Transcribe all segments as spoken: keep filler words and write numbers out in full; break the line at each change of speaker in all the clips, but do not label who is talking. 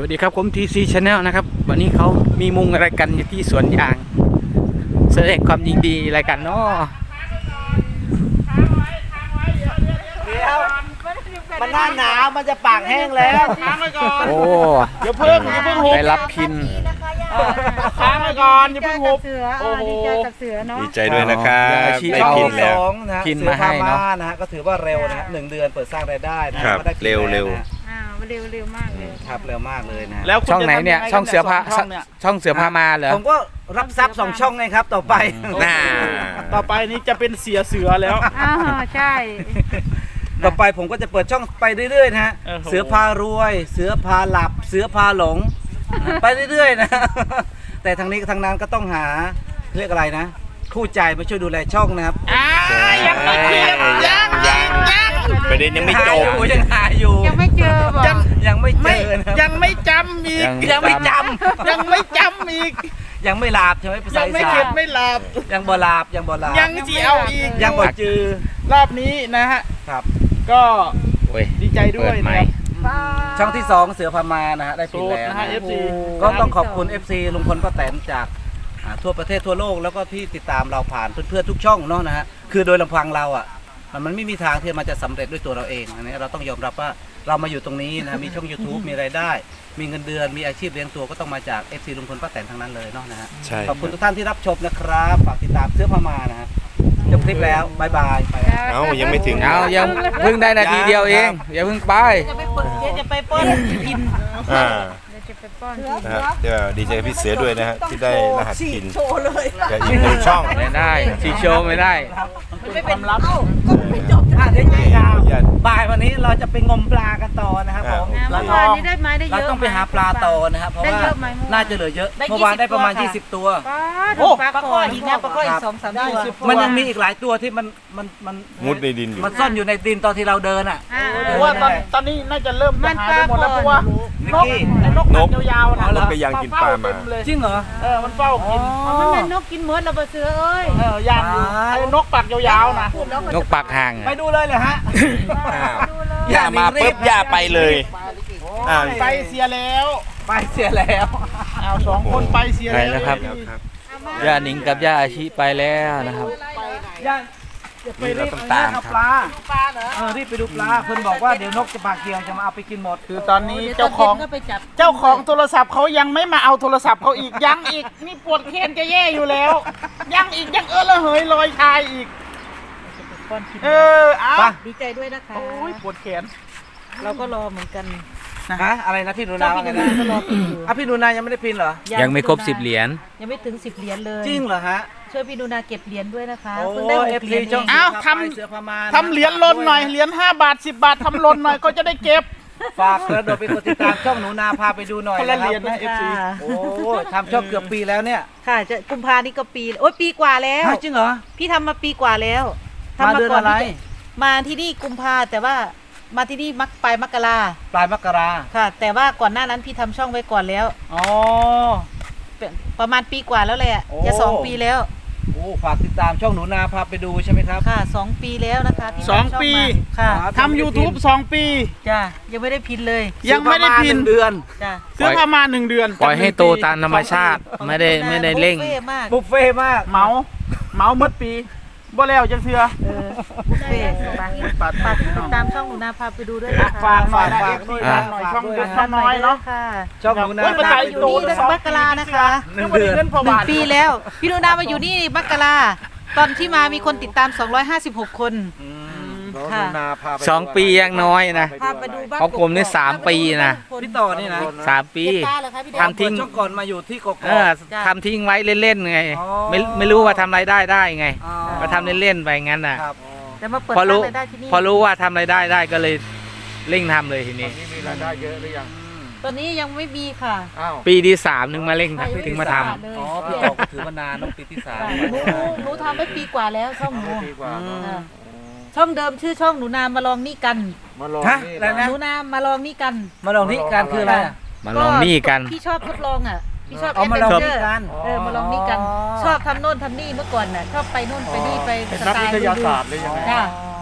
สวัสดีครับผม ที ซี Channel นะครับวันนี้เขามีมุงอะไรกันอยู่ที่สวนยางแสดงความยินดีอะไรกันเนาะ
มันหน้าหนาวมันจะปากแห้งแล้วค้างไว้ก่อน
โอ้
อย่าเพิ่งอย่าเพิ่งหุบ
ได้รับพิน
ค้างไว้ก่อนอย่าเพิ่งหุบ
เสืออ่าดีใจกับเสือเนาะ
ดีใจด้วยนะครับ
อาชีพ
ได้
ช่อง
พิน
ที่
แล้
ส
ว
องนะฮะ
พิน
เสื
มาให้เนอะ
พนะฮะก็ถือว่าเร็วนะฮะหนึ่งเดือนเปิดสร้างรายได้นะฮะ
ครับ
ก็ได้พิน
เร็ว
แล้
เร็ว
นะฮะ
อ่าเร็วเร็วมากเลย
ครับเร็วมากเลยนะฮะ
แล้วคุณ
ช่องไหนเนี่ย
จะทำยั
ช่องเสือพา
ไงกับสช่องเนี่ย
ช่องเสือพามาเหรอ
ผมก็รับทรัพย์สองช่องไงครับต่อไป
น่า
ต่อไปนี้จะเป็นเสียเสือแล้ว
อ่าใช่
ต่อไปผมก็จะเปิดช่องไปเรื่อยๆนะฮะ
โอ้โห
เสือพารวย เสือพาหลับ เสือพาหลงนะไปเรื่อยๆนะ แต่ทางนี้ทางนั้นก็ต้องหาเรียกอะไรนะ คู่ใจมาช่วยดูแลช่องนะครับ
ยังไม่เคลียร์ยังยังยัง
ประเด็นยังไม่จบ
หาอยู่ยังหาอยู่
ยังไม่เจอบอก
ยังยังไม่เจ
ไม่
อนะครับ
ยังไม่จำอีก
ยังไม่จ
ยังไม่จำอีก
ำยังไม่ลาบใช่ไหมภาษา
ยัง
อี
ไม่
สา
เข็
น
ดไม่หลับ
ยังบ่ลาบยังบ่ลาบ
ยังจีเอาอีก
ยังบ่จือ
รอบนี้นะฮะ
ครับ
ก็
โอ้ย
ดีใจด้ว
เปิ
ย
ดใหม่
นะ
ช่องที่สองเสือพามานะฮะได้ปิด
โสด
แล้ว
นะ
นะ
ฮะ เอฟซี
ก็ต้องขอบคุณ เอฟ ซี ลุงพลป้าแตนจากอ่าทั่วประเทศทั่วโลกแล้วก็ที่ติดตามเราผ่านเพื่อนๆทุกช่องเนาะนะฮะคือโดยลำพังเราอ่ะมันมันไม่มีทางที่มันจะสำเร็จด้วยตัวเราเองอันนี้เราต้องยอมรับว่าเรามาอยู่ตรงนี้นะมีช่อง YouTube มีรายได้ มีเงินเดือนมีอาชีพเลี้ยงตัวก็ต้องมาจาก เอฟ ซี ลุงพลป้าแตนทั้งนั้นเลยเนาะนะฮะ
ใช่
ขอบคุณทุกท่านที่รับชมนะครับฝากติดตามเสื้อพามานะฮะจบคลิปแล้วบายบายไปแล้ว
เอ้ายังไม่ถึง
เอายังเพิ่งได้นาทีเดียวเองอย่าเพิ่งไป
จะไปเปิดจะไปป้อนพิน
อ่า
เดี๋ยวจะไปป้อน
นะฮะเดี๋ยวดีใจกับพี่เสือด้วยนะฮะที่ได้รหัสพินกับอีกหนึ่งช่อง
ไม่ได้ชีโชว์ไม่ได้
ไม่เป็นลับ
อ่ะเดี๋ยวจะยาวบ่ายวันนี้เราจะไปงมปลากันต่อนะครับผม
อ่า
เรา
เมื่อวานนี้ได้ไหมได้เย
เรา
อะ
ต้องไปหาปลาต่อนะครับเพราะ
ได้
ว่า
เยอะไหมเมื่อวาน
น่าจะเหลือเยอะ
ได้
เมื่อวานได้ประมาณ
ยี่
ยี่
สิ
สิ
บบ
ตัว
โอ้ปลาข้ออีกนะปลาข้ออี
ค
ก
รับ
สองสามตัว
มันยังมีอีกหลายตัวที่มันมันมัน
มุดในดินอยู่
มันซ่อนอยู่ในดินตอนที่เราเดินอ่ะ
อ่า
เพราะว่าตอนตอนนี้น่าจะเริ่มจะหายไปหมดแล้วเพราะว่า
นิก
นก
กี้
ไอ้นกนกยาวๆนะ
นกไปยังกินปลามา
เต็เลย
จริงเหรอ
เออมันเฝ้ากิน
อ๋อมันเป็นนกกินเมิร์ดเราไปเสือเอ้ย
เออย่างอยู่ไอ้นกปากยาวๆนะ
นกปากห่าง
ไปดูเลยเหรอฮะ
อ้าว
ดูเลย
ย่ามาปุ๊บย่าไปเลยอ้าว
ไปเสียแล้ว
ไปเสียแล้ว
เอาสองคนไปเสีย
ไป
แล้ว
แล้วครับ ย่าหนิงกับย่าอาชิไปแล้วนะครับ
ย่าจะไปรีบ
ต้องตาม
เอา
ครับ
ปลาเออรีบไปดูปลาเพื่อนบอกว่าเดี๋ยวนกจะปากเกียวจะมาเอาไปกินหมด
คือตอนนี้เจ้าของ
ก็ไปจับ
เจ้าของโทรศัพท์เขายังไม่มาเอาโทรศัพท์เขาอีกยังอีกนี่ปวดแขนจะแย่อยู่แล้ว ยังอีกยังเออละเหยลอยชายอีก เออเอา
ไป
ดีใจด้วยนะคะ
โอ้ยปวดแขน
เราก็รอเหมือนกัน
ฮะอะไรนะพี่หนูนาว่าไงนะ
ก็รอพินอยู่
อ่ะพี่หนูนายังไม่ได้พินเหรอ
ยังไม่ครบสิบเหรียญ
ยังไม่ถึงสิบเหรียญเลย
จริงเหรอฮะ
ช่วยพี่ดูนาเก็บเหรียญด้วยนะคะ
โอ้
เพิ่งได้ห
เอก ฟ
เหรี
ซี
ยญเอ
ช่อง
ง
อ้าว
ทำ
ทำ
เสือพามา
ทำเหรียญลนหน่อยเหรียญห้าบาทสิบบาททำลนหน่อยก็จะได้เก็บ
ฝากกระโดดไปกดติดตามช่องหนูนาพาไปดูหน่อย
คนละ
นะ
เหรียญ
ครั
นะ
บ
เอฟซี
โอ้ทำช่องเกือบปีแล้วเนี่ย
ค่ะจะกุมภานี่ก็ปีโอ้ยปีกว่าแล้ว
ฮะจริงเหรอ
พี่ทำมาปีกว่าแล้ว
มา
ทำ
เดือนอะไร
ที่จมาที่นี่กุมภาแต่ว่ามาที่นี่มักปลายมกรา
ปลายมกรา
ค่ะ แต่ว่าก่อนหน้านั้นพี่ทำช่องไว้ก่อนแล้ว
อ๋อ
เป็นประมาณปีกว่าแล้วแหละ
โอ้
จะสองปีแล้ว
โอ้ฝากติดตามช่องหนูนาพาไปดูใช่ไหมครับ
ค่ะสองปีแล้วนะคะที่
สอง
ทำช่
ปี
มาค่ะ
ครับ
ทำ YouTube สองปี
จ้ะยังไม่ได้พินเลย
ยังไม่ได้พิน
ซื้อประาณหงเดือน
จ้ะ
เสื้อผ้ามาหนึ่งเดือน
ปล่อยให้โตตามธรรมชาติ ไม่ได้ไม่ได้เร่ง
บุฟฟ่ต์มาก
บุฟเฟ่ต์มาก
เหมาเหมาหมดปีบ่แล้วจังเทื่อ
เออบุฟเฟ่ต์ฝาก
ปัด
ฝาก
พี่
ติ
น้อ
ด
ง
ตามช่องหนูนาพาไปดูด้วยนะคะ
ฝากหน่อยนะ
ฝาก
เอฟ
ด้
ซี
วย
ฝา
นะ
กหน่อย
ฝาก
ช่อง
ด้วย
เด็ก
นะ
ช่องน้อยเนาะ
ค่ะ
ช่องหนูนา
โอ้ยมันใจ
อยู่นี่ตั้งแต่มกรานะคะ
หนึ่งเดือน
เงินพอ
หนึ่ง
บาท
ปีแล้ว พี่หนูนามาอยู่นี่มกราตอนที่มามีคนติดตามสองร้อยห้าสิบหกคน ค่ะ
สองปียังน้อยนะ
พาไปดูบ้าน
ของผมนี่สามปีนะ
พี่ต่อนี่นะ
สามปี
เก็บตาเหรอคะพี่เด็ก
ทำทิ้ง
ช่องก่อนมาอยู่ที่กกอก
เออทำทิ้งไว้เล่นๆไง
อ๋อ
ไม่ไม่รู้ว่าทำรายได้ได้ไง
อ๋อ
ก็ทำเล่นๆไปงั้นน่ะ
ครับ
แต่มาเปิด
พอรู้
ร้านรายได้ที่นี่
พอรู้ว่าทำรายได้ได้ก็เลยเร่งทำเลยทีนี้
มีรายได้เยอะหรือยัง
ตอนนี้ยังไม่มีค่ะ
อ้าว
ปีที่สามถึงมาเร่งถึงมาทำ
เลย
อ๋อพี่ต่อก็ถือมานานน้องปีที่สาม
ค่ะหนูหนูทำไปปีกว่าแล้วช่องหนู
ดีกว่า
อืม
ค่ะช่องเดิมชื่อช่องหนูนามาลองนี่กัน
มาลอง
ฮะ
นี่
อะไรนะ
หนูนามาลองนี่กัน
มาลองที่การคืออะไรอะ
มาลองหนี่กัน
พี่ชอบทดลองอ่ะพี่ชอบ
เอามาลอง
แด
นี่
เจร์
กัน
เออมาลองนี่กัน ชอบทำโน่นทำนี่เมื่อก่อนน่ะชอบไปโน่นไปนี่ไป
เป็น
ส
นัก
ไต
วิ
ล์
ท
ดู
ยาศาสตร์เลยยังไง
จ้ะ
ว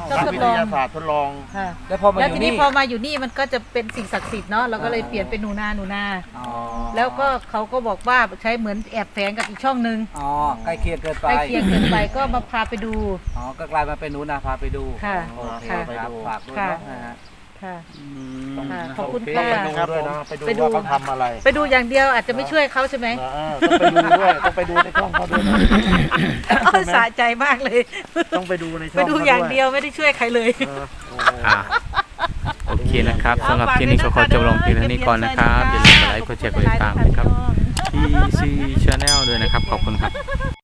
ก็
นัก
ทด
วิ
ล
ท
อง
ยาศาสตร์ทดลอง
ค่ะ
แล้วพอมาอ
แล้ว
ยู่
ทีนี้
นี่
พอมาอยู่นี่มันก็จะเป็นสิ่งศักดิ์สิทธิ์เนาะเราก็เลยเปลี่ยนเป็นหนูนาหนูนา
อ๋อ
แล้วก็เขาก็บอกว่าใช้เหมือนแอบแฝงกับอีกช่องหนึ่ง
อ๋อใกล้เคียงเกินไป
ใกล้เคียงเกินไปก็มาพาไปดู
อ๋อก็กลายมาเป็นหนูนาพาไปดู
ค่ะ
โอเค
ค่ะ
ครับฝากด้วย
ค่ะ
เนาะนะฮะ
ค่ะ
อื
ค่ะ
ม
ขอบคุณ
โเ
ค่ะ
ไปดูด้วยนะไปดู
ไปดู
ว่าเขาทำอะไร
ไปดูอย่างเดียวอาจจะไม่ช่วยเขาใช่ไหม
เออต้องไปดูด้วยต้องไปดูในช่องเขาด้วยนะ
เออสะใจมากเลย
ต้องไปดูในช่
ไป
อง
ดู
เขา
อย่าง
ด้ว
เดียวไม่ได้ช่วยใครเลย
เออโอ้โห
อ่าโอเคนะครับสำหรับที่นี้ก็ขอจบลงเพียงเท่านี้ก่อนนะครับอย่าลืมกดไลค์กดแชร์กดติดตามนะครับ พี ซี Channel ด้วยนะครับขอบคุณครับ